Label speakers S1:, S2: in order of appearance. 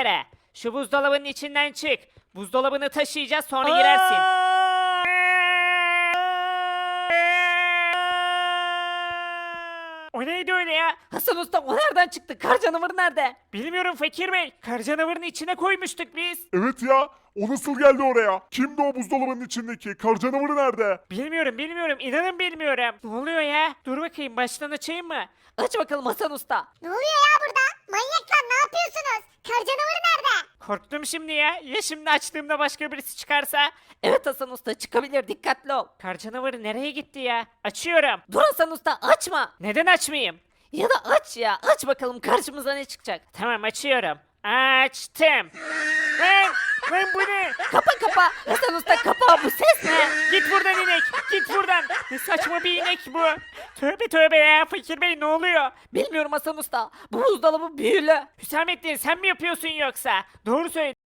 S1: üzere. Şu buzdolabının içinden çık. Buzdolabını taşıyacağız sonra girersin. O neydi öyle ya?
S2: Hasan Usta o nereden çıktı? Kar canavarı nerede?
S1: Bilmiyorum Fakir Bey. Kar canavarını içine koymuştuk biz.
S3: Evet ya. O nasıl geldi oraya? Kimdi o buzdolabının içindeki? Kar canavarı nerede?
S1: Bilmiyorum. İnanın bilmiyorum. Ne oluyor ya? Dur bakayım baştan açayım mı?
S2: Aç bakalım Hasan Usta.
S4: Ne oluyor ya burada? Manyaklar ne yapıyorsunuz? Kar canavarı nerede?
S1: Korktum şimdi ya. Ya şimdi açtığımda başka birisi çıkarsa?
S2: Evet Hasan Usta çıkabilir, dikkatli ol.
S1: Kar canavarı nereye gitti ya? Açıyorum.
S2: Dur Hasan Usta, açma.
S1: Neden açmayayım?
S2: Ya da aç ya, aç bakalım karşımıza ne çıkacak.
S1: Tamam açıyorum. Açtım. Lan bu ne?
S2: Kapa Hasan Usta, kapa, bu ses ne?
S1: Git buradan inek. Git buradan. Ne saçma bir inek bu. Tövbe ya Fakir Bey ne oluyor?
S2: Bilmiyorum Hasan Usta, bu buzdolabı büyülü.
S1: Hüsamettin sen mi yapıyorsun yoksa? Doğru söyle.